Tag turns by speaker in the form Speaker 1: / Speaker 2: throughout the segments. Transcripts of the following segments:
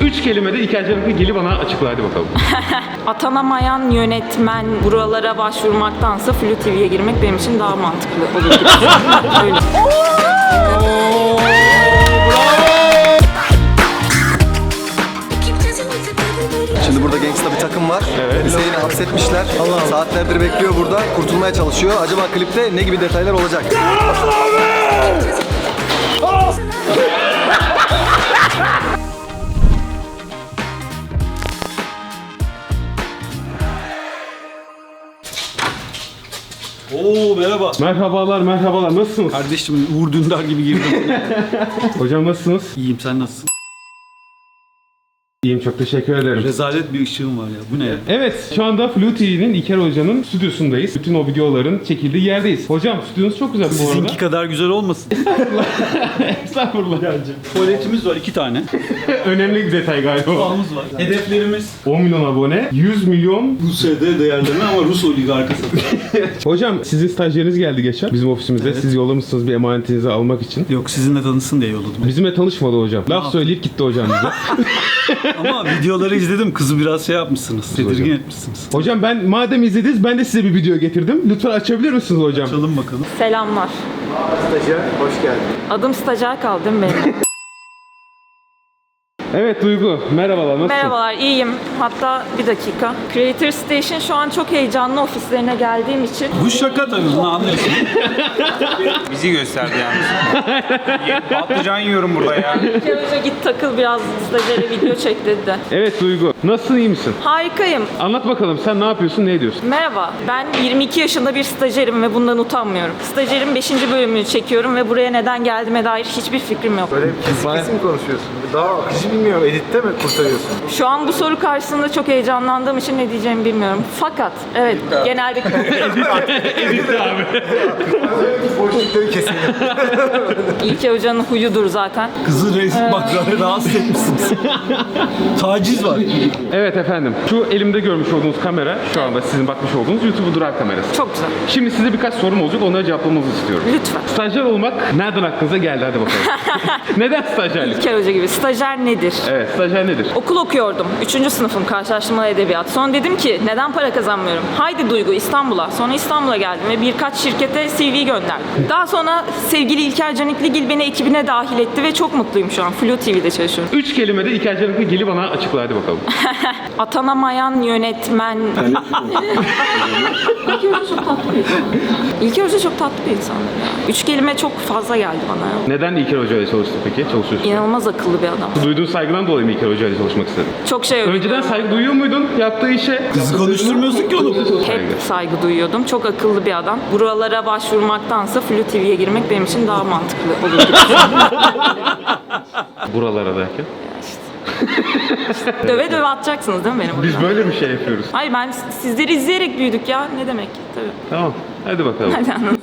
Speaker 1: 3 kelimede İlker Canikligil'i bana açıkla hadi bakalım.
Speaker 2: Atanamayan yönetmen buralara başvurmaktansa Flu TV'ye girmek benim için daha mantıklı olur gibi. Öyle.
Speaker 3: Şimdi burada gangsta bir takım var. Evet. Hüseyin'i hapsetmişler. Saatlerdir bekliyor burada. Kurtulmaya çalışıyor. Acaba klipte ne gibi detaylar olacak?
Speaker 4: Oo merhaba.
Speaker 1: Merhabalar nasılsınız?
Speaker 4: Kardeşim Uğur Dündar gibi girdim.
Speaker 1: Hocam nasılsınız?
Speaker 4: İyiyim, sen nasılsın?
Speaker 1: İyiyim, çok teşekkür ederim.
Speaker 4: Rezalet bir ışığım var ya. Bu ne ya?
Speaker 1: Evet, şu anda Flu TV'nin İlker Hoca'nın stüdyosundayız. Bütün o videoların çekildiği yerdeyiz. Hocam stüdyonuz çok güzel bu arada.
Speaker 4: Sizinki kadar güzel olmasın.
Speaker 1: Estağfurullah.
Speaker 4: Tuvaletimiz var 2 tane.
Speaker 1: Önemli bir detay galiba.
Speaker 4: Mutfağımız var. Hedeflerimiz
Speaker 1: 10 milyon abone, 100 milyon.
Speaker 4: Rusya'da değerleme ama Rus oligarkası.
Speaker 1: Hocam sizin stajyeriniz geldi geçen bizim ofisimizde.
Speaker 4: Evet.
Speaker 1: Siz yollamışsınız bir emanetinizi almak için.
Speaker 4: Yok, sizinle tanışsın diye yolladım.
Speaker 1: Bizimle tanışmadı hocam. Laf söyleyip gitti hocam bize.
Speaker 4: Ama videoları izledim. Kızı biraz şey yapmışsınız. Tedirgin etmişsiniz.
Speaker 1: Hocam ben madem izlediniz ben de size bir video getirdim. Lütfen açabilir misiniz hocam?
Speaker 4: Açalım bakalım.
Speaker 2: Selamlar.
Speaker 3: Stajyer, hoş geldin.
Speaker 2: Adım stajyer kaldı değil mi benim?
Speaker 1: Evet Duygu, merhabalar, nasılsın?
Speaker 2: Merhabalar, iyiyim. Hatta bir dakika. Creator Station şu an çok heyecanlı ofislerine geldiğim için.
Speaker 4: Bu şaka tabii, bunu anlıyorsun.
Speaker 5: Bizi gösterdi yalnız. Patlıcan yiyorum burada ya.
Speaker 2: İlker Hoca git takıl biraz stajyere video çek dedi de.
Speaker 1: Evet Duygu, nasılsın, iyi misin?
Speaker 2: Harikayım.
Speaker 1: Anlat bakalım sen ne yapıyorsun, ne ediyorsun?
Speaker 2: Merhaba, ben 22 yaşında bir stajyerim ve bundan utanmıyorum. Stajyerin 5. bölümünü çekiyorum ve buraya neden geldiğime dair hiçbir fikrim yok.
Speaker 3: Böyle kesin mi konuşuyorsun? Daha akıcı bilmiyorum. Editte mi kurtarıyorsun?
Speaker 2: Şu an bu soru karşısında çok heyecanlandığım için ne diyeceğimi bilmiyorum. Fakat, evet, genelde...
Speaker 1: Edit'te abi.
Speaker 3: Boşlukları kesin.
Speaker 2: İlker Hoca'nın huyudur zaten.
Speaker 4: Kızı bak rahatsız etmişsiniz. Taciz var.
Speaker 1: Evet efendim, şu elimde görmüş olduğunuz kamera, şu anda sizin bakmış olduğunuz YouTube Drive kamerası.
Speaker 2: Çok güzel.
Speaker 1: Şimdi size birkaç sorum olacak, onları cevaplamanızı istiyorum.
Speaker 2: Lütfen.
Speaker 1: Stajyer olmak nereden aklınıza geldi, hadi bakalım. Neden stajyerlik?
Speaker 2: İlker Hoca gibi. Stajyer nedir?
Speaker 1: Evet, stajyer nedir?
Speaker 2: Okul okuyordum. 3. sınıfım, karşılaştırmalı edebiyat. Sonra dedim ki neden para kazanmıyorum? Haydi Duygu İstanbul'a. Sonra İstanbul'a geldim ve birkaç şirkete CV gönderdim. Daha sonra sevgili İlker Canikligil beni ekibine dahil etti ve çok mutluyum şu an. Flu TV'de çalışıyorum.
Speaker 1: 3 kelimede İlker Canikligil'i bana açıkla, hadi bakalım.
Speaker 2: Atanamayan yönetmen. İlker Hoca çok tatlı bir insan. İlker Hoca çok tatlı bir insan ya. 3 kelime çok fazla geldi bana ya.
Speaker 1: Neden İlker Hoca ile çalıştın peki? Çalışıyorsun.
Speaker 2: İnanılmaz akıllı bir adam.
Speaker 1: Duyduğun saygıdan dolayı mı İlker Hoca ile çalışmak istedin?
Speaker 2: Çok şey öğreniyorum.
Speaker 1: Önceden saygı duyuyor muydun yaptığı işe?
Speaker 4: Kızı konuşturmuyorsun ki oğlum.
Speaker 2: Hep saygı duyuyordum. Çok akıllı bir adam. Buralara başvurmaktansa Flu TV'ye girmek benim için daha mantıklı olur gibi.
Speaker 1: Buralara derken.
Speaker 2: Döve döve atacaksınız değil mi benim
Speaker 1: Biz
Speaker 2: buradan?
Speaker 1: böyle bir şey yapıyoruz.
Speaker 2: Hayır, ben sizleri izleyerek büyüdük ya. Ne demek? Tabii.
Speaker 1: Tamam. Hadi bakalım.
Speaker 2: Hadi anladım.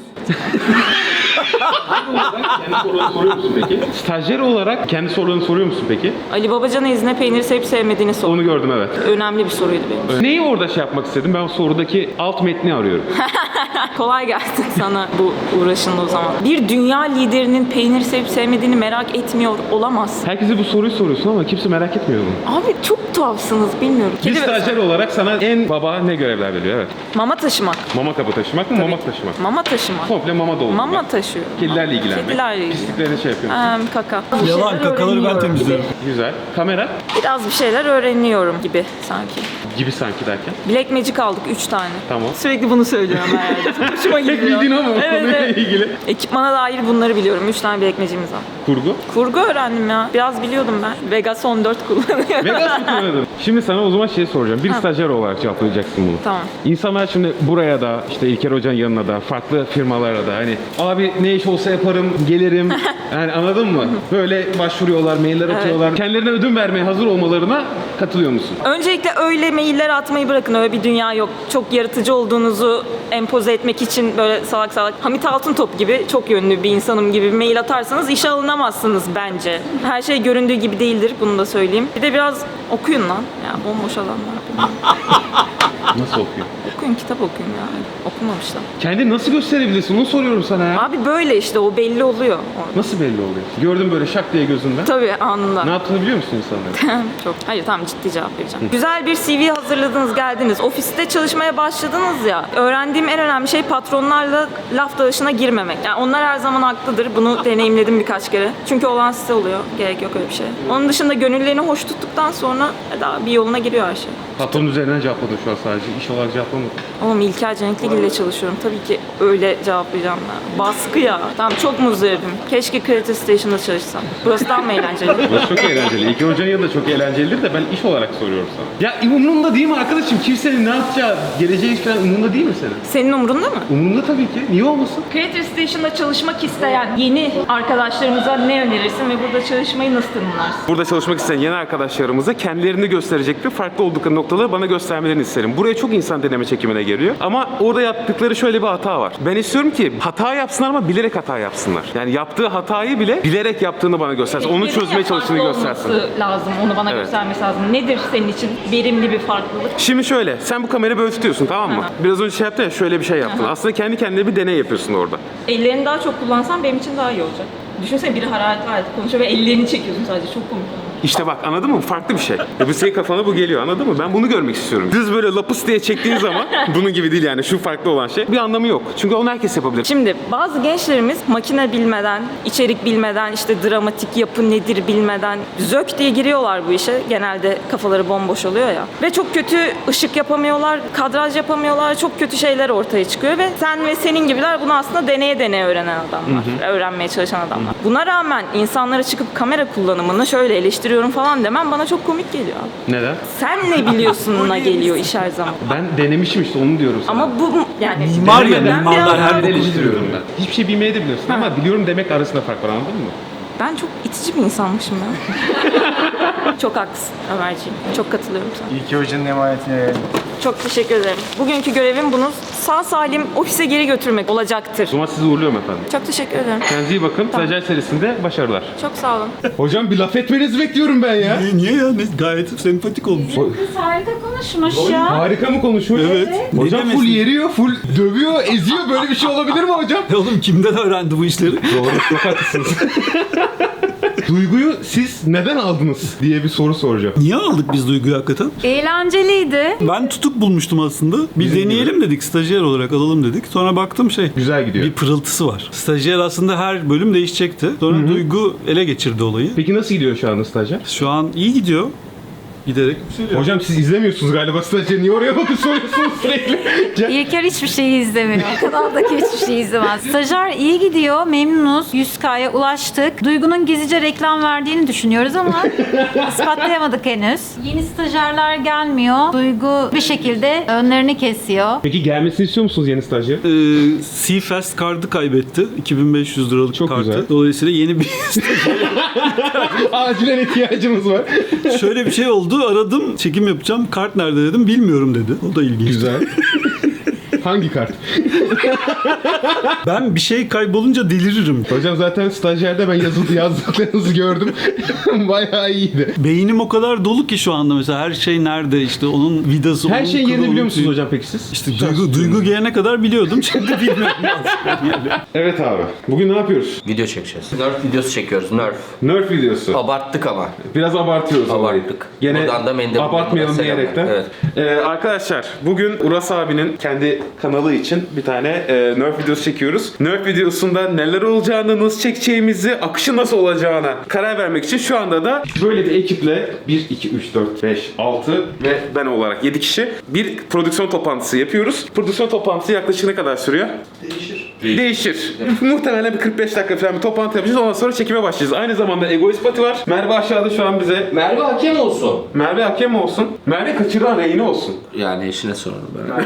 Speaker 1: Kendi sorularını soruyor musun peki? Stajyer olarak kendi sorularını soruyor musun peki?
Speaker 2: Ali Babacan'a izne peyniri sevip sevmediğini sor.
Speaker 1: Onu gördüm, evet.
Speaker 2: Önemli bir soruydu benim için.
Speaker 1: Neyi orada şey yapmak istedim? Ben sorudaki alt metni arıyorum.
Speaker 2: Kolay gelsin sana bu uğraşında o zaman. Bir dünya liderinin peynir sevip sevmediğini merak etmiyor olamaz.
Speaker 1: Herkese bu soruyu soruyorsun ama kimse merak etmiyor bunu.
Speaker 2: Abi çok tuhafsınız, bilmiyorum.
Speaker 1: Bir
Speaker 2: Kedi ve-
Speaker 1: stajyer olarak sana en baba ne görevler veriyor? Evet.
Speaker 2: Mama taşımak.
Speaker 1: Mama kabı taşımak mı, mamak taşımak?
Speaker 2: Mama taşımak.
Speaker 1: Komple mama doldurmak.
Speaker 2: Mama taşıyor.
Speaker 1: Kedilerle ilgilenmek.
Speaker 2: Kedilerle ilgilenmek.
Speaker 1: Pisliklerini şey yapıyor.
Speaker 2: Kaka.
Speaker 4: Yalan, kakaları ben temizliyorum.
Speaker 1: Güzel. Kamera
Speaker 2: Biraz bir şeyler öğreniyorum gibi sanki.
Speaker 1: gibi sanki derken.
Speaker 2: Black Magic aldık 3 tane.
Speaker 1: Tamam.
Speaker 2: Sürekli bunu söylüyorum her yerde. Hoşuma
Speaker 1: Tek
Speaker 2: gidiyor.
Speaker 1: bildiğin o mu?
Speaker 2: Evet,
Speaker 1: Konuyla
Speaker 2: evet.
Speaker 1: ilgili.
Speaker 2: Ekipmana dair bunları biliyorum. 3 tane Black Magic'imiz var.
Speaker 1: Kurgu.
Speaker 2: Kurgu öğrendim ya. Biraz biliyordum ben. Vegas 14 kullanıyorum.
Speaker 1: Vegas mı kullanıyordun? Şimdi sana o zaman şey soracağım. Bir stajyer olarak cevaplayacaksın bunu.
Speaker 2: Tamam.
Speaker 1: İnsanlar şimdi buraya da işte İlker Hoca'nın yanına da farklı firmalara da hani abi ne iş olsa yaparım gelirim yani anladın mı? Böyle başvuruyorlar, mailler atıyorlar. Kendilerine ödün vermeye hazır olmalarına katılıyor musun?
Speaker 2: Öncelikle öyle mailler atmayı bırakın. Öyle bir dünya yok. Çok yaratıcı olduğunuzu empoze etmek için böyle salak salak Hamit Altıntop gibi çok yönlü bir insanım gibi mail atarsanız işe alınamazsınız bence. Her şey göründüğü gibi değildir. Bunu da söyleyeyim. Bir de biraz okuyun lan. Ya bomboş adamlar.
Speaker 1: Nasıl okuyor?
Speaker 2: Okuyun, kitap okuyun ya. Okumamışlar.
Speaker 1: Kendini nasıl gösterebilirsin? Onu soruyorum sana ya.
Speaker 2: Abi böyle işte, o belli oluyor.
Speaker 1: Nasıl belli oluyor? Gördüm böyle şak diye gözünden.
Speaker 2: Tabii, anında.
Speaker 1: Ne yaptığını biliyor musun insanların?
Speaker 2: Çok. Hayır, tamam, ciddi cevap vereceğim. Güzel bir CV hazırladınız, geldiniz. Ofiste çalışmaya başladınız ya. Öğrendiğim en önemli şey patronlarla laf dalaşına girmemek. Yani onlar her zaman haklıdır. Bunu deneyimledim birkaç kere. Çünkü olan size oluyor. Gerek yok öyle bir şey. Onun dışında gönüllerini hoş tuttuktan sonra daha bir yoluna giriyor her şey.
Speaker 1: Patronun üzerinden cevapladın şu an sadece. İş olarak cevaplamadın.
Speaker 2: Oğlum, İlker Canikligil ile çalışıyorum. Tabii ki öyle cevaplayacağım ben. Baskı ya. Tamam, çok muzdaribim. Keşke Creative Station'da çalışsam. Burası daha mı eğlenceli?
Speaker 1: Burası çok eğlenceli. İlker Hoca'nın yanında çok eğlencelidir de ben iş olarak soruyorum sana. Ya umurunda değil mi arkadaşım? Kimsenin ne yapacağı, geleceği falan umurunda değil mi senin?
Speaker 2: Senin umurunda mı?
Speaker 1: Umurunda tabii ki. Niye olmasın?
Speaker 2: Creative Station'da çalışmak isteyen yeni arkadaşlarımıza ne önerirsin ve burada çalışmayı nasıl tanımlarsın?
Speaker 1: Burada çalışmak isteyen yeni arkadaşlarımıza kendilerini gösterecek bir farklı oldukları noktaları bana göstermelerini isterim. Buraya çok insan deneme çekimine geliyor. Ama orada yaptıkları şöyle bir hata var. Ben istiyorum ki hata yapsınlar ama bilerek hata yapsınlar. Yani yaptığı hatayı bile bilerek yaptığını bana göstersin. Onu çözmeye çalıştığını göstersin.
Speaker 2: Lazım, onu bana
Speaker 1: Evet.
Speaker 2: göstermesi lazım. Nedir senin için verimli bir farklılık?
Speaker 1: Şimdi şöyle, sen bu kamerayı böyle tutuyorsun, tamam mı?
Speaker 2: Aha.
Speaker 1: Biraz önce şey yaptın ya, şöyle bir şey yaptın. Aslında kendi kendine bir deney yapıyorsun orada.
Speaker 2: Ellerini daha çok kullansan benim için daha iyi olacak. Düşünsene, biri hararet konuşuyor ve ellerini çekiyorsun sadece. Çok komik.
Speaker 1: İşte bak, anladın mı? Farklı bir şey. Bu senin kafana bu geliyor, anladın mı? Ben bunu görmek istiyorum. Düz böyle lapıs diye çektiğin zaman bunun gibi değil yani, şu farklı olan şey. Bir anlamı yok. Çünkü onu herkes yapabilir.
Speaker 2: Şimdi bazı gençlerimiz makine bilmeden, içerik bilmeden, işte dramatik yapı nedir bilmeden zök diye giriyorlar bu işe. Genelde kafaları bomboş oluyor ya. Ve çok kötü ışık yapamıyorlar, kadraj yapamıyorlar, çok kötü şeyler ortaya çıkıyor ve sen ve senin gibiler bunu aslında deneye deneye öğrenen adamlar, öğrenmeye çalışan adamlar. Buna rağmen insanlara çıkıp kamera kullanımını şöyle eleştiriyorum falan demem bana çok komik geliyor abi.
Speaker 1: Neden?
Speaker 2: Sen ne biliyorsun'una geliyor iş her zaman.
Speaker 1: Ben denemişim işte, onu diyorum sana.
Speaker 2: Ama bu yani
Speaker 4: Mimar ya,
Speaker 2: ben
Speaker 4: mimarlar
Speaker 2: biraz-
Speaker 4: her boku
Speaker 1: eleştiriyorum ben. Hiçbir şey bilmeye de biliyorsun ama biliyorum demek arasında fark var, anladın mı?
Speaker 2: Ben çok itici bir insanmışım ya. Çok haklısın Ömerciğim. Çok katılıyorum sana.
Speaker 3: İlki Hoca'nın emanetine.
Speaker 2: Çok teşekkür ederim. Bugünkü görevim bunu sağ salim ofise geri götürmek olacaktır.
Speaker 1: O zaman sizi uğurluyorum efendim.
Speaker 2: Çok teşekkür ederim.
Speaker 1: Kendinize iyi bakın. Stajyer serisinde başarılar.
Speaker 2: Çok sağ olun.
Speaker 1: Hocam bir laf etmenizi bekliyorum ben ya.
Speaker 4: Niye ya? Gayet sempatik olmuş.
Speaker 6: Kız harika konuşmuş ya.
Speaker 1: Harika mı konuşmuş?
Speaker 4: Evet.
Speaker 1: Hocam
Speaker 4: Ne
Speaker 1: full
Speaker 4: demesin?
Speaker 1: yeriyor, full dövüyor, eziyor. Böyle bir şey olabilir mi hocam?
Speaker 4: Oğlum kimden öğrendi bu işleri?
Speaker 1: Doğru, çok haklısınız. Duyguyu siz neden aldınız diye bir soru soracağım.
Speaker 4: Niye aldık biz Duygu'yu hakikaten?
Speaker 6: Eğlenceliydi.
Speaker 4: Ben tutuk bulmuştum aslında. Bir
Speaker 1: Bizim
Speaker 4: deneyelim dedik, stajyer olarak alalım dedik. Sonra baktım
Speaker 1: Güzel gidiyor.
Speaker 4: bir pırıltısı var. Stajyer aslında her bölüm değişecekti. Sonra Duygu ele geçirdi olayı.
Speaker 1: Peki nasıl gidiyor şu anda stajyer?
Speaker 4: Şu an iyi gidiyor. Giderek yükseliyor.
Speaker 1: Hocam siz izlemiyorsunuz galiba stajyer. Niye oraya bakıp soruyorsunuz sürekli?
Speaker 6: İlker hiçbir şeyi izlemiyor. Kanaldaki hiçbir şeyi izlemez. Stajyer iyi gidiyor. Memnunuz. 100K'ya ulaştık. Duygu'nun gizlice reklam verdiğini düşünüyoruz ama ispatlayamadık henüz. Yeni stajyerler gelmiyor. Duygu bir şekilde önlerini kesiyor.
Speaker 1: Peki gelmesini istiyor musunuz yeni stajyer?
Speaker 4: Seafest kartı kaybetti. 2500 liralık
Speaker 1: Çok
Speaker 4: kartı.
Speaker 1: güzel.
Speaker 4: Dolayısıyla yeni bir
Speaker 1: Acilen ihtiyacımız var.
Speaker 4: şöyle bir şey oldu. Aradım. Çekim yapacağım. Kart nerede dedim. Bilmiyorum dedi. O da ilginç.
Speaker 1: Güzel. Hangi kart?
Speaker 4: Ben bir şey kaybolunca deliririm.
Speaker 1: Hocam zaten stajyerde ben yazdıklarınızı gördüm. Bayağı iyiydi.
Speaker 4: Beynim o kadar dolu ki şu anda mesela her şey nerede işte onun vidası.
Speaker 1: Her
Speaker 4: onun
Speaker 1: şeyin
Speaker 4: kılı,
Speaker 1: yerini
Speaker 4: onun
Speaker 1: biliyor musunuz
Speaker 4: tüyü.
Speaker 1: hocam peki siz?
Speaker 4: İşte duygu gelene kadar biliyordum. Şimdi bilmiyorum.
Speaker 1: Evet abi. Bugün ne yapıyoruz?
Speaker 7: Video çekeceğiz. Nerf videosu çekiyoruz. Nerf.
Speaker 1: Nerf videosu.
Speaker 7: Abarttık ama.
Speaker 1: Biraz abartıyoruz olayı.
Speaker 7: Abarttık.
Speaker 1: Gene
Speaker 7: Buradan da mendil
Speaker 1: abartmayalım
Speaker 7: selamlar.
Speaker 1: diyerekten.
Speaker 7: Evet.
Speaker 1: Arkadaşlar bugün Uras abinin kendi kanalı için bir tane Nerf videosu çekiyoruz. Nerf videosunda neler olacağını, nasıl çekeceğimizi, akışı nasıl olacağına karar vermek için şu anda da böyle bir ekiple 1, 2, 3, 4, 5, 6 ve ben olarak 7 kişi bir prodüksiyon toplantısı yapıyoruz. Prodüksiyon toplantısı yaklaşık ne kadar sürüyor? Değişir. Muhtemelen bir 45 dakika falan bir toplantı yapacağız. Ondan sonra çekime başlayacağız. Aynı zamanda Egoist Pati var. Merve aşağıda şu an bize.
Speaker 7: Merve hakem olsun.
Speaker 1: Merve hakem olsun. Merve kaçıran reyni olsun.
Speaker 7: Yani eşine soralım ben.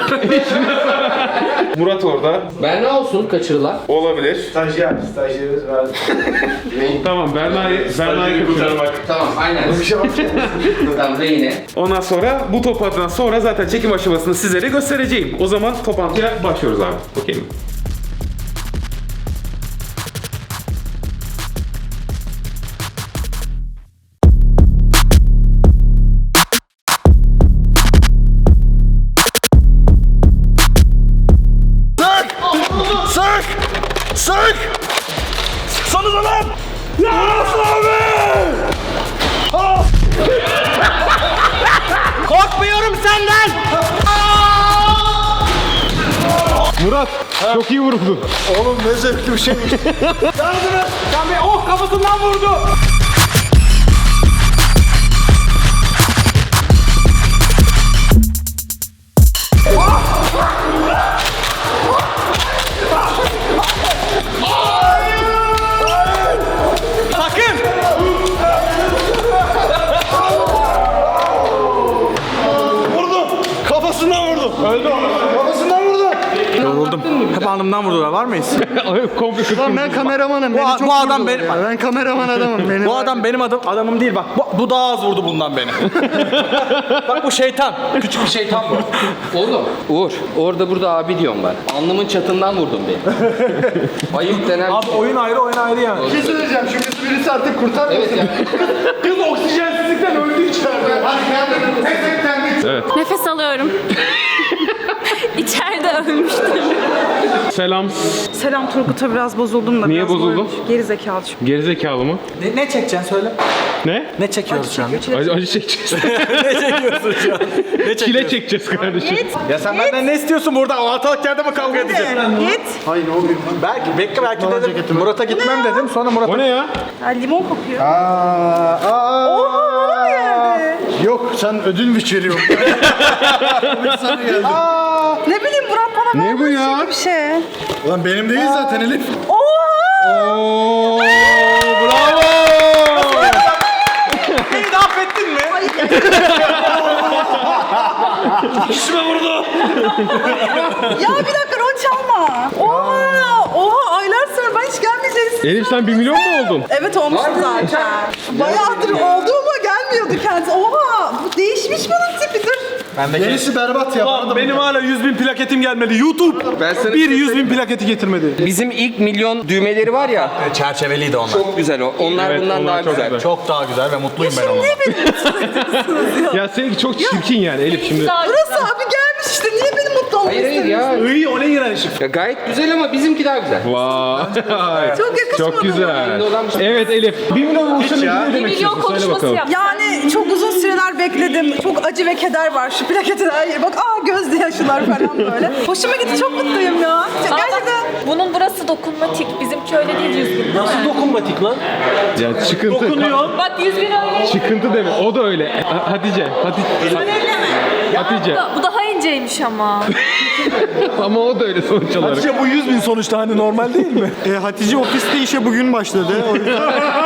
Speaker 1: Murat orada.
Speaker 7: Ben ne olsun kaçırılan?
Speaker 1: Olabilir.
Speaker 3: Stajyerimiz var.
Speaker 1: Tamam, Berna'yı kaçıralım.
Speaker 7: Tamam aynen. Tamam yine.
Speaker 1: Ondan sonra bu toplantıdan sonra zaten çekim aşamasını sizlere göstereceğim. O zaman toplantıya başlıyoruz abi. Okey mi? Çok iyi vuruldu.
Speaker 3: Oğlum ne zevkli bir şeymiş.
Speaker 5: Can Bey kafasından vurdu.
Speaker 8: Yoruldum. Hep alnımdan vurdular. Var mıyız?
Speaker 1: Komple kırptım.
Speaker 8: Ben kameramanım. Bu adam benim. Ben kameraman adamım. Bu adam benim adamım değil bak. Bu daha az vurdu bundan beni. Bak bu şeytan. Küçük bir şeytan bu.
Speaker 7: Oğlum Uğur orada burada abi diyorum ben. Alnımın çatından vurdun beni. Ayıp denen bir şey.
Speaker 8: Oyun ayrı yani.
Speaker 3: Bir şey söyleyeceğim. Şu kızı birisi artık kurtarmasın.
Speaker 7: Evet ya.
Speaker 3: Kız oksijensizlikten öldü içeride. Hadi kendini.
Speaker 9: Nefes alıyorum. İçeride ölmüştüm.
Speaker 1: Selam.
Speaker 10: Selam Turgut'a biraz bozuldum da.
Speaker 1: Niye
Speaker 10: biraz
Speaker 1: bozuldun?
Speaker 10: Geri zekalı çünkü.
Speaker 1: Gerizekalı mı?
Speaker 8: Ne çekeceksin söyle.
Speaker 1: Ne?
Speaker 8: Ne çekiyoruz şu an?
Speaker 1: Acı çekeceğiz.
Speaker 8: Ne çekiyorsun şu an? Ne
Speaker 1: Çile çekeceğiz kardeşim.
Speaker 8: Ya sen benden ne istiyorsun burada? Ortalık yerde mi kavga edeceğiz?
Speaker 10: Git.
Speaker 3: Hayır o bir.
Speaker 8: Belki dedim. Murat'a gitmem dedim. Sonra Murat'a...
Speaker 1: O ne ya?
Speaker 10: Ya, limon kokuyor.
Speaker 3: Oha
Speaker 10: geldi.
Speaker 3: Yok sen ödül mü veriyorsun?
Speaker 10: Ne bileyim Murat bana
Speaker 1: Ne bu ya?
Speaker 10: bir şey.
Speaker 3: Ulan benim değil zaten Elif.
Speaker 1: Oo, bravo.
Speaker 8: Beni de affettin mi? İşime vurdu.
Speaker 10: Ya bir dakika rol çalma. Oha aylar sonra ben hiç gelmeyeceksin.
Speaker 1: Elif sen 1 milyon mu oldun?
Speaker 10: Evet olmuştu zaten. Bayağıdır oldu ama gelmiyordu kendisi. Oha bu değişmiş bunun tipi dur.
Speaker 3: Yenisi berbat ya.
Speaker 8: Ulan benim hala 100.000 plaketim gelmedi. YouTube
Speaker 7: Ben sana
Speaker 8: bir 100.000 plaketi getirmedi.
Speaker 7: Bizim ilk milyon düğmeleri var ya.
Speaker 8: Çerçeveliydi onlar.
Speaker 7: Çok güzel o. Onlar
Speaker 1: Evet,
Speaker 7: bundan
Speaker 1: onlar
Speaker 7: daha
Speaker 1: çok
Speaker 7: güzel.
Speaker 1: güzel.
Speaker 8: Çok daha güzel ve mutluyum ben onunla.
Speaker 1: Ya seninki çok çirkin yani Elif şimdi.
Speaker 10: Burası abi gelmiş işte niye beni mutlu olmak
Speaker 7: Hayır hayır ya.
Speaker 8: İyi o ne iğrençlik.
Speaker 7: Ya gayet güzel ama bizimki daha güzel.
Speaker 1: Vay.
Speaker 10: Çok yakışmadı.
Speaker 1: Çok güzel.
Speaker 7: Bende olan bir şey.
Speaker 1: Evet Elif. 1 milyon olsa ne demek
Speaker 9: milyon
Speaker 1: istiyorsun? Söyle
Speaker 9: konuşması
Speaker 1: bakalım.
Speaker 9: yap.
Speaker 10: Yani çok uzun süreler bekledim. Çok acı ve keder var şu plaketin her yeri. Bak gözde yaşlılar falan böyle. Hoşuma gitti çok mutluyum ya. Gerçekten.
Speaker 9: Bunun burası dokunmatik. Bizimki öyle değil 100 bin.
Speaker 8: Nasıl dokunmatik lan?
Speaker 1: Ya çıkıntı.
Speaker 8: Dokunuyor.
Speaker 9: Bak 100 bin öyle.
Speaker 1: Çıkıntı deme. O da öyle. Hatice. Hatice.
Speaker 9: Bu daha inceymiş ama.
Speaker 1: Ama o da öyle sonuç olarak.
Speaker 8: Hatice bu 100.000 sonuçta hani normal değil mi?
Speaker 3: Hatice ofiste işe bugün başladı. O yüzden...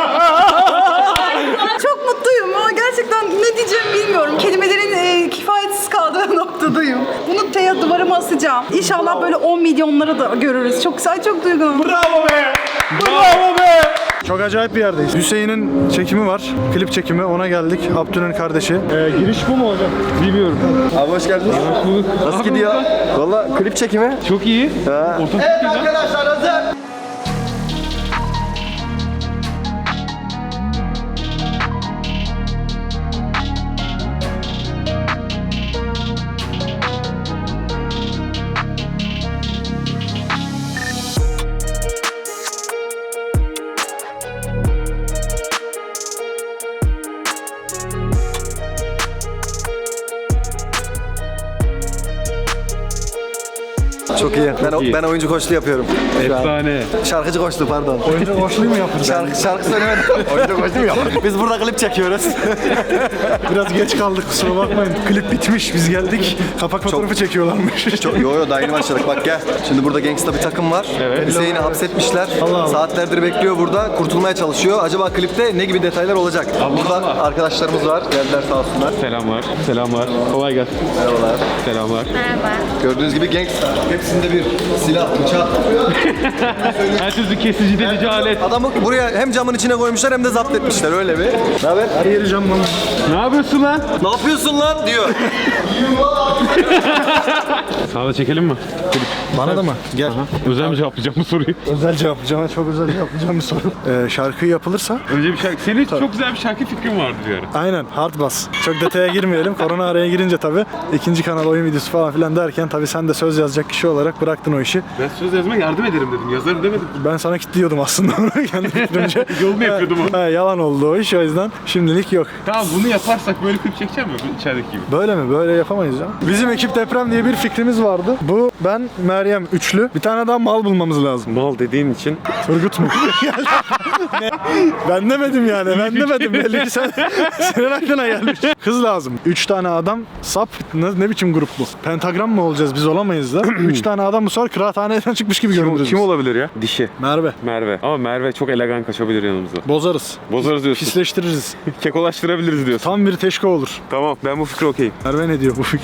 Speaker 10: Çok mutluyum ama gerçekten ne diyeceğimi bilmiyorum. Kelimelerin kifayetsiz kaldığı noktadayım. Bunu duvarıma asacağım. İnşallah böyle 10 milyonları da görürüz. Çok güzel, çok duyguluyum.
Speaker 8: Bravo be! Bravo be!
Speaker 3: Çok acayip bir yerdeyiz. Hüseyin'in çekimi var. Klip çekimi. Ona geldik. Abdü'nün kardeşi. Giriş bu mu hocam?
Speaker 1: Bilmiyorum.
Speaker 3: Abi hoş geldiniz. Nasıl gidiyor? Valla klip çekimi.
Speaker 1: Çok iyi.
Speaker 3: Evet arkadaşlar hazır. Çok iyi. Ben oyuncu koçluğu yapıyorum.
Speaker 1: Efsane.
Speaker 3: Şarkıcı koçluğu pardon.
Speaker 8: Oyuncu koçluğu mu yapın?
Speaker 3: Şarkı söylemedim. oyuncu koçluğu mu yapın? Biz burada klip çekiyoruz.
Speaker 8: Biraz geç kaldık kusura bakmayın. Klip bitmiş biz geldik. Kapak fotoğrafı çekiyorlarmış.
Speaker 3: Yo daha yeni başladık bak gel. Şimdi burada gangsta bir takım var. Hüseyin'i hapsetmişler. Saatlerdir bekliyor burada. Kurtulmaya çalışıyor. Acaba klipte ne gibi detaylar olacak? Burada arkadaşlarımız var. Geldiler sağ olsunlar.
Speaker 1: Selamlar. Selamlar. Kolay gelsin.
Speaker 3: Merhabalar.
Speaker 1: Selamlar.
Speaker 3: Gördüğünüz gibi gangsta. Hepsinde bir silah, bıçak.
Speaker 1: Her sözü kesici delici alet.
Speaker 3: Adamı buraya hem camın içine koymuşlar hem de zapt etmişler öyle bir. Ne haber?
Speaker 8: Her yeri camdan.
Speaker 1: Ne yapıyorsun lan?
Speaker 3: Ne yapıyorsun lan diyor.
Speaker 1: Sana da çekelim mi?
Speaker 8: Bana da mı? Gel.
Speaker 1: Özel mi cevaplayacağım bu soruyu?
Speaker 8: Özel cevaplayacağım. Çok özel cevaplayacağım bir soru. Şarkı yapılırsa?
Speaker 1: Önce bir şarkı. Senin çok güzel bir şarkı fikrin vardı bir ara.
Speaker 8: Aynen hard bass. Çok detaya girmeyelim. Korona araya girince tabii ikinci kanal oyun videosu falan filan derken tabii sen de söz yazacak kişi olarak
Speaker 11: olarak bıraktın o işi.
Speaker 1: Ben söz yazma yardım ederim dedim. Yazarım demedim.
Speaker 11: Ben sana kitliyordum aslında onu kendi fikrimce.
Speaker 1: Yol mu yapıyordum onu?
Speaker 11: Yalan oldu o iş, o yüzden şimdilik yok.
Speaker 1: Tamam bunu yaparsak böyle klip çekeceğim mi? İçerideki gibi.
Speaker 11: Böyle mi? Böyle yapamayız ya. Bizim ekip deprem diye bir fikrimiz vardı. Bu, ben, Meryem üçlü. Bir tane daha mal bulmamız lazım.
Speaker 1: Mal dediğin için.
Speaker 11: Turgut mu? Ne? Ben demedim yani. Ben demedim. Belli ki senin aklına gelmiş. Kız lazım. 3 tane adam sap. Ne biçim grup bu? Pentagram mı olacağız? Biz olamayız da. 3 tane adam bu sefer kıraathaneden çıkmış gibi görünürüz.
Speaker 1: Kim olabilir ya? Dişi.
Speaker 11: Merve.
Speaker 1: Merve. Ama Merve çok elegan kaçabilir yanımızda.
Speaker 11: Bozarız.
Speaker 1: Bozarız diyorsun.
Speaker 11: Pisleştiririz.
Speaker 1: Kekolaştırabiliriz diyorsun.
Speaker 11: Tam bir teşko olur.
Speaker 1: Tamam ben bu fikre okeyim.
Speaker 11: Merve ne diyor bu fikre?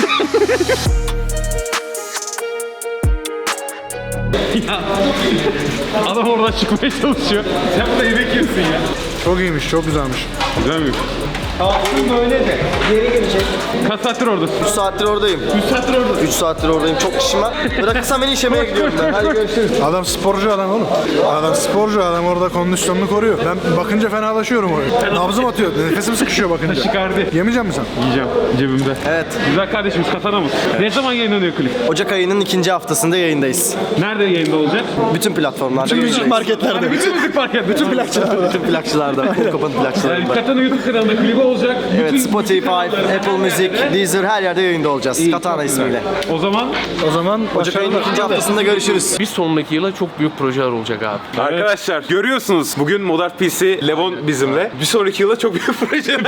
Speaker 1: Adam oradan çıkmaya çalışıyor. Sen burada yemek yiyorsun ya.
Speaker 11: Çok iyiymiş, çok güzelmiş.
Speaker 1: Güzel mi?
Speaker 3: Aslında öyle de. Geri gelecek.
Speaker 1: Kaç saattir oradasın?
Speaker 3: 3 saattir oradayım.
Speaker 1: 3 saattir oradasın.
Speaker 3: 3 saattir oradayım. Çok işim var. Bırakırsam beni işemeye gidiyorum ben. Hadi görüşürüz.
Speaker 11: Adam sporcu adam oğlum. Adam sporcu adam, orada kondisyonunu koruyor. Ben bakınca fenalaşıyorum oraya. Nabzım atıyor. Nefesim sıkışıyor bakınca.
Speaker 1: Çıkardı.
Speaker 11: Yemeyecek misin sen?
Speaker 1: Yiyeceğim cebimde.
Speaker 3: Evet.
Speaker 1: Güzel kardeşimiz Katana'mız. Ne zaman yayınlanıyor klip?
Speaker 3: Ocak ayının 2. haftasında yayındayız.
Speaker 1: Nerede yayında olacak?
Speaker 3: Bütün platformlarda
Speaker 11: Bütün müzik
Speaker 3: yayındayız.
Speaker 11: marketlerde.
Speaker 1: Bütün müzik market.
Speaker 11: Bütün plakçılarda.
Speaker 3: Bütün plakçılarda. Kapanın
Speaker 1: Yani
Speaker 3: plakçılarında.
Speaker 1: Katana YouTube kanalında klibi olacak.
Speaker 3: Evet,
Speaker 1: Bütün
Speaker 3: Spotify, Apple Music, Deezer her yerde yayında olacağız. Katana ismiyle.
Speaker 1: O zaman
Speaker 3: Ocak ayının 2. haftasında görüşürüz.
Speaker 12: Bir sonraki yıla çok büyük projeler olacak abi.
Speaker 1: arkadaşlar görüyorsunuz bugün Modern PC Levon bizimle. Bir sonraki yıla çok büyük proje.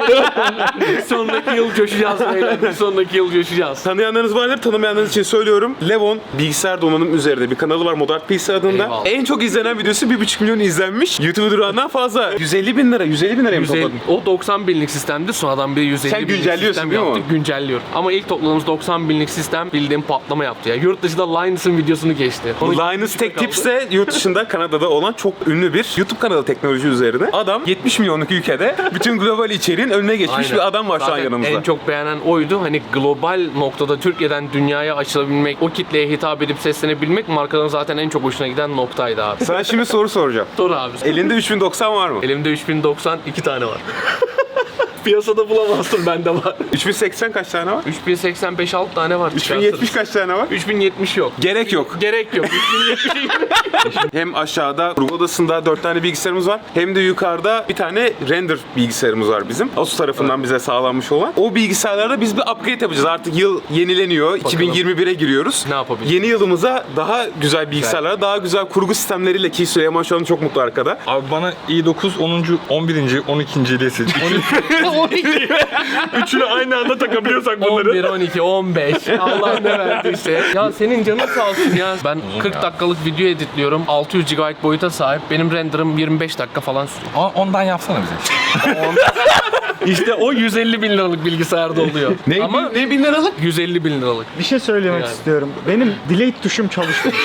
Speaker 12: Bir sonraki yıl coşacağız beyler. Bir sonraki yıl coşacağız.
Speaker 1: Tanıyanlarınız vardır, tanımayanlarınız için söylüyorum. Levon bilgisayar donanım üzerinde bir kanalı var Modern PC adında.
Speaker 12: Eyvallah.
Speaker 1: En çok izlenen videosu 1,5 milyon izlenmiş. YouTube durağından fazla. 150 bin lira mı topladın?
Speaker 12: O 90 binlik sistemdi. Sonradan bir 150
Speaker 1: Sen
Speaker 12: binlik
Speaker 1: güncelliyorsun
Speaker 12: sistem
Speaker 1: değil mi
Speaker 12: yaptık. Güncelliyorum. Ama ilk topladığımız 90 binlik sistem bildiğim patlama yaptı ya. Yurt dışında Linus'ın videosunu geçti.
Speaker 1: Bu Linus Tech Tips de yurt dışında Kanada'da olan çok ünlü bir YouTube kanalı teknoloji üzerine. Adam 70 milyonluk ülkede bütün global içeriğin önüne geçmiş
Speaker 12: Aynen.
Speaker 1: bir adam var şu an
Speaker 12: Zaten
Speaker 1: yanımızda.
Speaker 12: en çok beğenen oydu. Hani global noktada Türkiye'den dünyaya açılabilmek, o kitleye hitap edip seslenebilmek markanın zaten en çok hoşuna giden noktaydı abi.
Speaker 1: Sana şimdi soru soracağım.
Speaker 12: Sor abi.
Speaker 1: Elinde 3090 var mı?
Speaker 12: Elimde 3090 2 tane var. Piyasada bulamazsın, bende var.
Speaker 1: 3080 kaç tane var?
Speaker 12: 3085 6 tane var.
Speaker 1: 3070 kaç tane var?
Speaker 12: 3070 yok.
Speaker 1: Gerek yok.
Speaker 12: Gerek yok. 3070
Speaker 1: Hem aşağıda kurgu odasında 4 tane bilgisayarımız var. Hem de yukarıda bir tane render bilgisayarımız var bizim. Asus tarafından bize sağlanmış olan. O bilgisayarlarda biz bir upgrade yapacağız. Artık yıl yenileniyor. 2021'e giriyoruz.
Speaker 12: Ne yapabiliriz?
Speaker 1: Yeni yılımıza daha güzel bilgisayarlara, daha güzel kurgu sistemleriyle ki Süleyman şu an çok mutlu arkada.
Speaker 13: Abi bana i9 10. 11. 12. ile seç. Üçünü aynı anda takabiliyorsak bunları.
Speaker 12: 11, 12, 15. Allah ne verdiyse. Ya senin canın sağ olsun ya. Ben 40 dakikalık video editliyorum. 600 GB boyuta sahip. Benim renderım 25 dakika falan sürüyor.
Speaker 13: Ondan yapsana bize.
Speaker 12: İşte o 150 bin liralık bilgisayarda oluyor.
Speaker 1: Ne bin liralık?
Speaker 12: 150 bin liralık.
Speaker 11: Bir şey söylemek
Speaker 12: Yani.
Speaker 11: istiyorum. Benim delete tuşum çalışmıyor.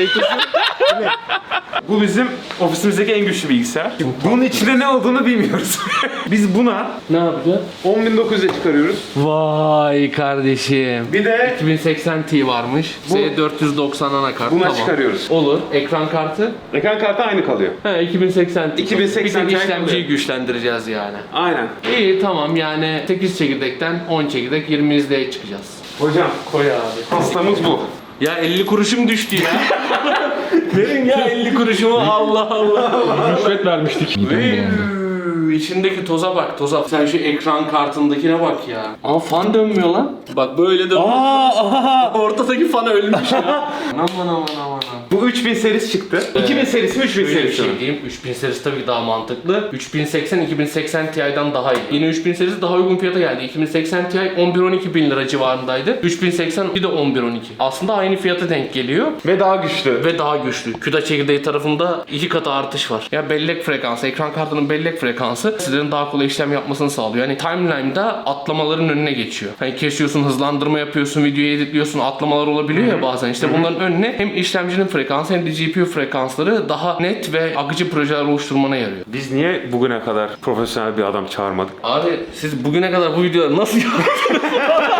Speaker 1: Bu bizim ofisimizdeki en güçlü bilgisayar. Bunun içinde ne olduğunu bilmiyoruz. Biz buna
Speaker 12: Ne yapacağız?
Speaker 1: 10.900'e çıkarıyoruz.
Speaker 12: Vay kardeşim.
Speaker 1: Bir de
Speaker 12: 2080 Ti varmış. S490 anakart.
Speaker 1: Buna çıkarıyoruz.
Speaker 12: Olur. Ekran kartı.
Speaker 1: ekran kartı aynı kalıyor.
Speaker 12: He 2080 Ti.
Speaker 1: 2080
Speaker 12: Bir
Speaker 1: Ti
Speaker 12: de işlemciyi
Speaker 1: kalıyor.
Speaker 12: güçlendireceğiz yani.
Speaker 1: Aynen.
Speaker 12: İyi tamam yani 8 çekirdekten 10 çekirdek 20 izleye çıkacağız.
Speaker 1: Hocam
Speaker 12: Koy abi.
Speaker 1: hastamız bu.
Speaker 12: Ya 50 kuruşum düştü ya. Verin ya 50 kuruşumu Allah Allah.
Speaker 1: Rüşvet vermiştik.
Speaker 12: İçindeki toza bak toza. Sen şu ekran kartındakine bak ya. Aa fan dönmüyor lan. Bak böyle dönmüyor. Ortadaki fan ölmüş ya. Aman.
Speaker 1: Bu 3000 serisi çıktı. 2000 serisi mi 3000
Speaker 12: Şöyle bir
Speaker 1: serisi mi?
Speaker 12: şey diyeyim. 3000 serisi tabii daha mantıklı. 3080 2080 Ti'den daha iyi. Yine 3000 serisi daha uygun fiyata geldi. 2080 Ti 11-12 bin lira civarındaydı. 3080 bir de 11-12. Aslında aynı fiyata denk geliyor.
Speaker 1: Ve daha güçlü.
Speaker 12: Ve daha güçlü. CUDA çekirdeği tarafında 2 katı artış var. Ya bellek frekansı, ekran kartının bellek frekansı sizlerin daha kolay işlem yapmasını sağlıyor. Yani timeline'da atlamaların önüne geçiyor. Hani kesiyorsun, hızlandırma yapıyorsun, videoyu editliyorsun, atlamalar olabiliyor ya bazen. İşte bunların önüne hem işlemcinin frekansı hem de GPU frekansları daha net ve akıcı projeler oluşturmana yarıyor.
Speaker 1: Biz niye bugüne kadar profesyonel bir adam çağırmadık?
Speaker 12: Abi siz bugüne kadar bu videoları nasıl yaptınız?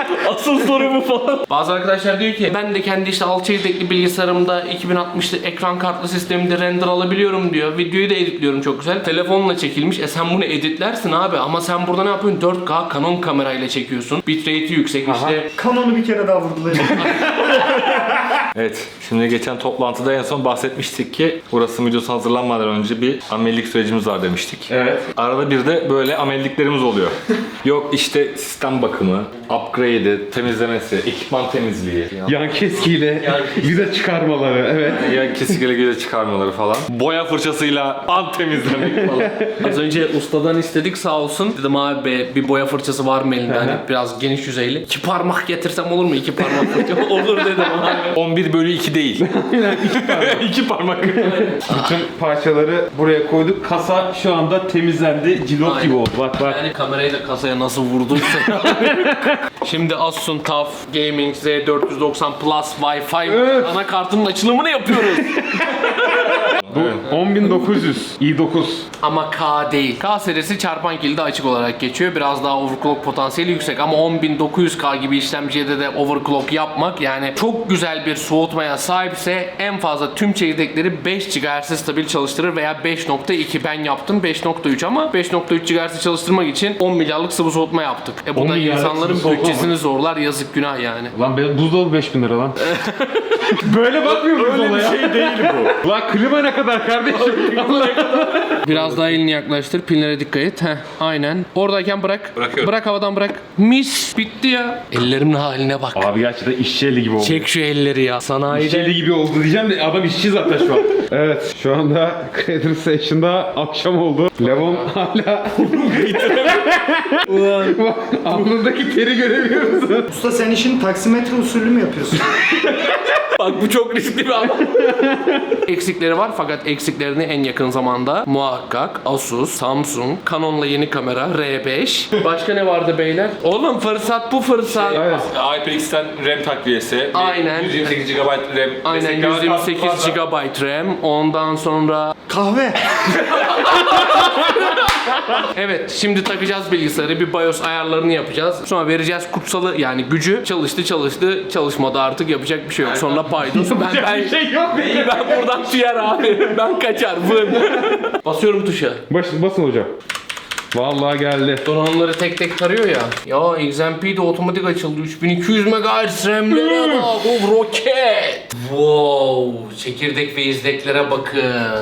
Speaker 12: Asıl soru bu falan. Bazı arkadaşlar diyor ki ben de kendi işte 6 çekirdekli bilgisayarımda 2060'lı ekran kartlı sisteminde render alabiliyorum diyor. Videoyu da editliyorum çok güzel. Telefonla çekilmiş. Sen bunu editlersin abi ama sen burada ne yapıyorsun? 4K Canon kamerayla çekiyorsun. Bitrate'i yüksek işte.
Speaker 11: Kanonu bir kere daha vurdular.
Speaker 13: Evet, şimdi geçen toplantıda en son bahsetmiştik ki burası videosu hazırlanmadan önce bir amelilik sürecimiz var demiştik.
Speaker 1: Evet.
Speaker 13: Arada bir de böyle amelliklerimiz oluyor. Yok işte sistem bakımı, upgrade'i, temizlemesi, ekipman temizliği.
Speaker 1: Yan keskiyle vida çıkarmaları, evet.
Speaker 13: Ya kesikle göze çıkarmaları falan. Boya fırçasıyla an temizlemek falan.
Speaker 12: Az önce ustadan istedik sağ olsun. Dedim abi bir boya fırçası var mı elinde? Hani biraz geniş yüzeyli. 2 parmak getirsem olur mu? 2 parmak fırça olur dedim abi.
Speaker 13: 11/2 değil. 2 parmak.
Speaker 1: Bütün parçaları buraya koyduk. Kasa şu anda temizlendi. Cilot gibi oldu. Bak bak.
Speaker 12: Yani kamerayı da kasaya nasıl vurduysa. Şimdi Asus'un TUF Gaming Z490 Plus Wi-Fi anakartının açılımını yapıyoruz.
Speaker 1: Bu 10.900 i9.
Speaker 12: Ama K değil. K serisi çarpan kilidi açık olarak geçiyor. Biraz daha overclock potansiyeli yüksek ama 10.900K gibi işlemciye de overclock yapmak yani çok güzel bir soğutmaya sahipse en fazla tüm çekirdekleri 5 GHz stabil çalıştırır veya 5.2 ben yaptım 5.3 ama 5.3 GHz çalıştırmak için 10 milyarlık sıvı soğutma yaptık. Bu
Speaker 1: 10
Speaker 12: da
Speaker 1: milyarlık
Speaker 12: insanların
Speaker 1: sıvı soğutma
Speaker 12: bütçesini zorlar yazık günah yani.
Speaker 1: Lan benim buzdolabı 5000 lira lan. Böyle bakmıyoruz
Speaker 13: Öyle
Speaker 1: olaya.
Speaker 13: bir şey değil bu.
Speaker 1: Lan klima ne kadar kardeşim?
Speaker 12: Biraz daha elini yaklaştır. Pinlere dikkat et. Heh, aynen. Oradayken bırak.
Speaker 13: Bırakıyorum.
Speaker 12: Bırak havadan bırak. Mis. Bitti ya. Ellerimin haline bak.
Speaker 1: Abi gerçekten işçi eli gibi oldu.
Speaker 12: Çek şu elleri ya.
Speaker 1: İşçi
Speaker 12: Sanayide.
Speaker 1: eli gibi oldu diyeceğim de adam işçi zaten şu an. Evet şu anda Creator Station'da akşam oldu. Levon hala Bak, alnındaki teri görebiliyor musun?
Speaker 11: Usta sen işin taksimetre usulü mü yapıyorsun?
Speaker 12: Bak bu çok riskli bir adam. Eksikleri var fakat eksiklerini en yakın zamanda muhakkak Asus, Samsung, Canon'la yeni kamera R5. Başka ne vardı beyler? Oğlum fırsat bu fırsat.
Speaker 13: HyperX'ten RAM takviyesi.
Speaker 12: Aynen.
Speaker 13: 128 GB RAM.
Speaker 12: Aynen 128 GB RAM. Ondan sonra
Speaker 11: Kahve.
Speaker 12: evet şimdi takacağız bilgisayarı bir BIOS ayarlarını yapacağız. Sonra vereceğiz kutsalı yani gücü çalıştı çalışmadı artık yapacak bir şey yok. Sonra paydos ben
Speaker 1: Bir şey yok.
Speaker 12: ben buradan tüyer abi. Ben kaçar vın. Basıyorum tuşa.
Speaker 1: Basın hocam. Vallahi geldi.
Speaker 12: Donanımları tek tek tarıyor ya. Ya XMP de otomatik açıldı. 3200 MHz RAM'lere bak. O roket. Wow. Çekirdek ve izleklere bakın.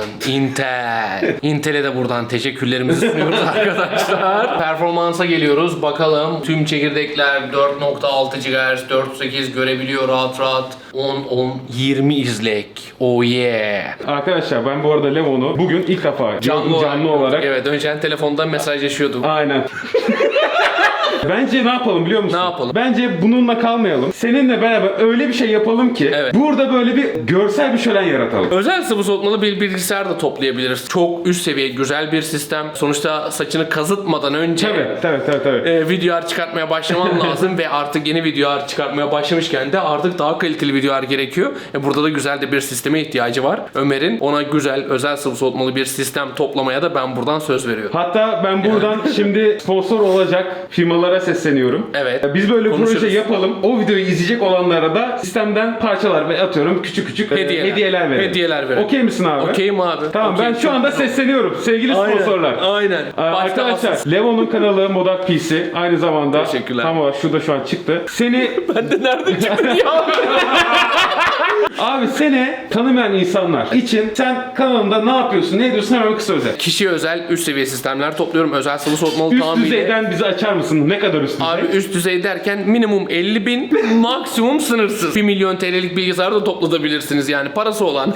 Speaker 12: Intel. Intel'e de buradan teşekkürlerimizi sunuyoruz arkadaşlar. Performansa geliyoruz. Bakalım. Tüm çekirdekler 4.6 GHz, 4.8 görebiliyor rahat rahat. 10-20 izlek. Oh yeah.
Speaker 1: Arkadaşlar ben bu arada Levon'u bugün ilk defa canlı olarak.
Speaker 12: Evet önceden telefondan mesajlaşıyorduk.
Speaker 1: Aynen. Bence ne yapalım biliyor musun?
Speaker 12: Ne yapalım?
Speaker 1: Bence bununla kalmayalım. Seninle beraber öyle bir şey yapalım ki burada böyle bir görsel bir şölen yaratalım.
Speaker 12: Özel sıvı soğutmalı bir bilgisayar da toplayabiliriz. Çok üst seviye güzel bir sistem. Sonuçta saçını kazıtmadan önce
Speaker 1: Tabii.
Speaker 12: VDR çıkartmaya başlaman lazım ve artık yeni VDR çıkartmaya başlamışken de artık daha kaliteli VDR gerekiyor. Burada da güzel de bir sisteme ihtiyacı var. Ömer'in ona güzel özel sıvı soğutmalı bir sistem toplamaya da ben buradan söz veriyorum.
Speaker 1: Hatta ben buradan şimdi sponsor olacak firmalara sesleniyorum.
Speaker 12: Evet.
Speaker 1: Biz böyle
Speaker 12: Konuşuruz.
Speaker 1: proje yapalım. O videoyu izleyecek olanlara da sistemden parçalar ve atıyorum küçük hediyeler verelim.
Speaker 12: Hediyeler verelim.
Speaker 1: Okey misin abi?
Speaker 12: Okeyim abi.
Speaker 1: Tamam
Speaker 12: Okey,
Speaker 1: ben şu
Speaker 12: çok
Speaker 1: anda
Speaker 12: güzel.
Speaker 1: sesleniyorum. Sevgili sponsorlar.
Speaker 12: Aynen.
Speaker 1: Arkadaşlar
Speaker 12: Asus.
Speaker 1: Levon'un kanalı Modak PC aynı zamanda.
Speaker 12: Teşekkürler.
Speaker 1: Tamam şurada şu an çıktı. Seni
Speaker 12: Ben de nerede çıktı ya?
Speaker 1: abi seni tanımayan insanlar için sen kanalında ne yapıyorsun, ne ediyorsun hemen kısa özet.
Speaker 12: Kişiye özel üst seviye sistemler topluyorum. Özel sıvı soğutmalı
Speaker 1: Üst
Speaker 12: tamamıyla.
Speaker 1: düzeyden bizi açar mısın? Ne kadar üst düzey?
Speaker 12: Abi üst düzey derken minimum 50.000 maksimum sınırsız. 1 milyon TL'lik bilgisayar da toplatabilirsiniz yani parası olan.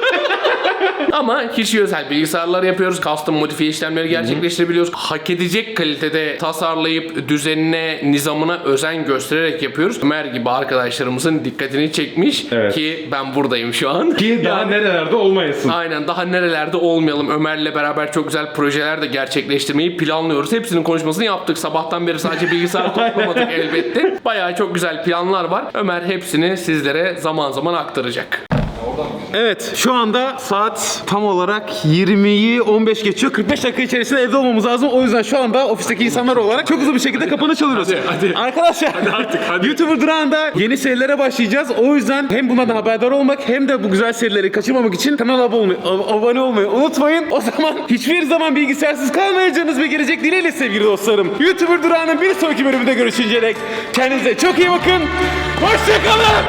Speaker 12: Ama kişiye özel bilgisayarlar yapıyoruz. Custom modifiye işlemleri gerçekleştirebiliyoruz. Hak edecek kalitede tasarlayıp düzenine, nizamına özen göstererek yapıyoruz. Ömer gibi arkadaşlarımızın dikkatini çekmiş ki ben buradayım şu an.
Speaker 1: Ki daha nerelerde olmayasın.
Speaker 12: Aynen daha nerelerde olmayalım. Ömer'le beraber çok güzel projeler de gerçekleştirmeyi planlıyoruz. Hepsinin konuşmasını yaptık. Sabahtan beri sadece bilgisayar toplamadık elbette. Bayağı çok güzel planlar var. Ömer hepsini sizlere zaman zaman aktaracak.
Speaker 13: Oradan
Speaker 1: Evet, şu anda saat tam olarak 20'yi 15 geçiyor. 45 dakika içerisinde evde olmamız lazım. O yüzden şu anda ofisteki insanlar olarak çok hızlı bir şekilde kapanış alıyoruz.
Speaker 12: Hadi.
Speaker 1: Arkadaşlar, YouTuber Durağı'nda yeni serilere başlayacağız. O yüzden hem bundan haberdar olmak hem de bu güzel serileri kaçırmamak için kanala abone olmayı unutmayın. O zaman hiçbir zaman bilgisayarsız kalmayacağınız bir gelecek dileğiyle sevgili dostlarım. YouTuber Durağı'nın bir sonraki bölümünde görüşünceye dek kendinize çok iyi bakın. Hoşçakalın.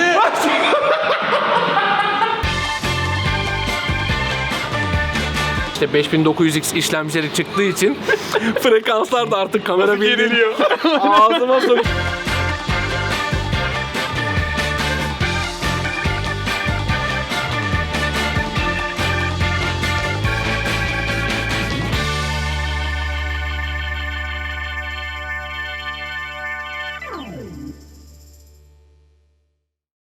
Speaker 12: İşte 5900X işlemcileri çıktığı için frekanslar da artık kamera bildiriyor. Ağzıma sok.